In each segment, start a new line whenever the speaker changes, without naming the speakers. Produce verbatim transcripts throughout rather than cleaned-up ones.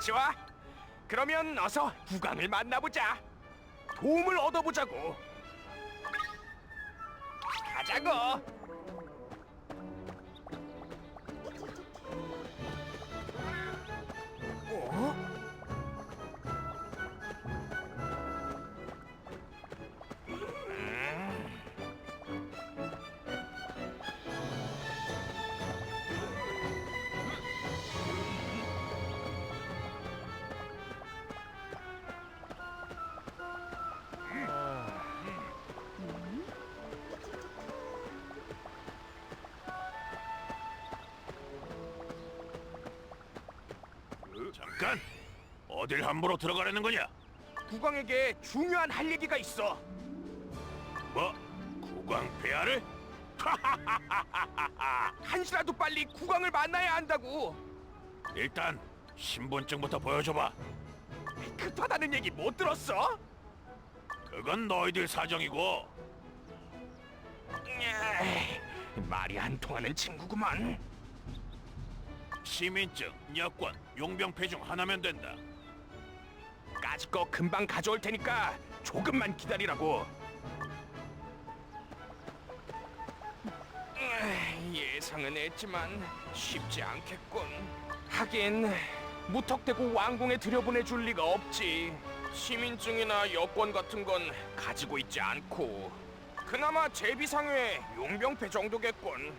좋아. 그러면 어서 국왕을 만나보자. 도움을 얻어보자고. 가자고. 어?
잠깐! 어딜 함부로 들어가려는 거냐?
국왕에게 중요한 할 얘기가 있어.
뭐? 국왕 폐하를?
한시라도 빨리 국왕을 만나야 한다고.
일단 신분증부터 보여줘봐.
급하다는 얘기 못 들었어?
그건 너희들 사정이고.
에이, 말이 안 통하는 친구구만.
시민증, 여권, 용병패 중 하나면 된다.
까짓 거 금방 가져올 테니까 조금만 기다리라고. 에이, 예상은 했지만 쉽지 않겠군. 하긴 무턱대고 왕궁에 들여보내줄 리가 없지. 시민증이나 여권 같은 건 가지고 있지 않고 그나마 제비상회 용병패 정도겠군.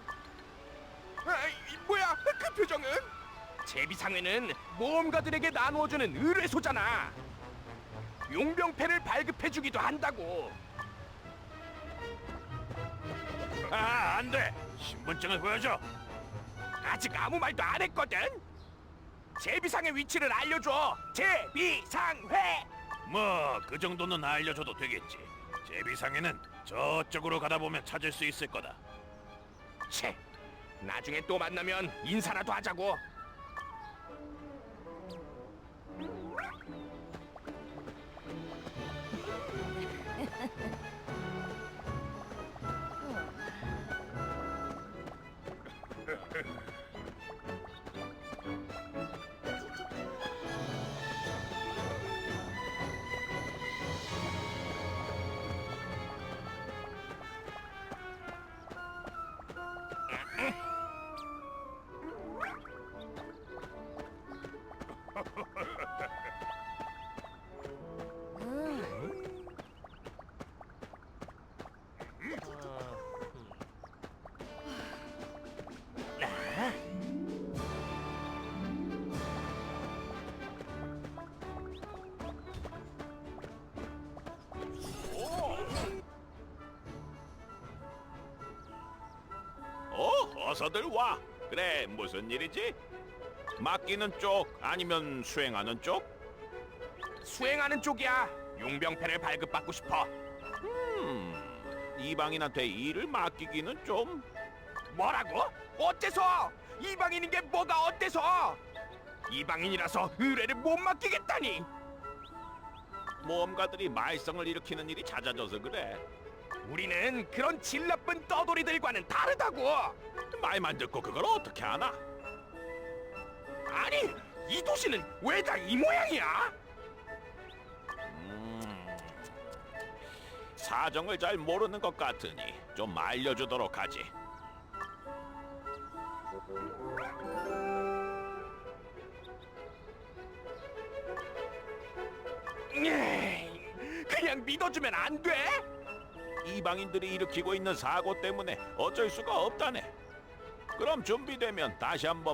에이, 뭐야 그 표정은? 제비상회는 모험가들에게 나누어주는 의뢰소잖아. 용병패를 발급해주기도 한다고.
아, 안 돼! 신분증을 보여줘!
아직 아무 말도 안 했거든. 제비상의 위치를 알려줘. 제비상회.
뭐, 그 정도는 알려줘도 되겠지. 제비상에는 저쪽으로 가다 보면 찾을 수 있을 거다.
채. 나중에 또 만나면 인사라도 하자고.
어, 어서들 와. 그래, 무슨 일이지? 맡기는 쪽 아니면 수행하는 쪽?
수행하는 쪽이야. 용병패를 발급받고 싶어.
음, 이방인한테 일을 맡기기는 좀...
뭐라고? 어때서? 이방인인 게 뭐가 어때서? 이방인이라서 의뢰를 못 맡기겠다니.
모험가들이 말썽을 일으키는 일이 잦아져서 그래.
우리는 그런 질 나쁜 떠돌이들과는 다르다고.
말만 듣고 그걸 어떻게 하나?
아니, 이 도시는 왜 다 이 모양이야?
음, 사정을 잘 모르는 것 같으니 좀 알려주도록 하지.
에이, 그냥 믿어주면 안 돼?
이방인들이 일으키고 있는 사고 때문에 어쩔 수가 없다네. 그럼 준비되면 다시 한번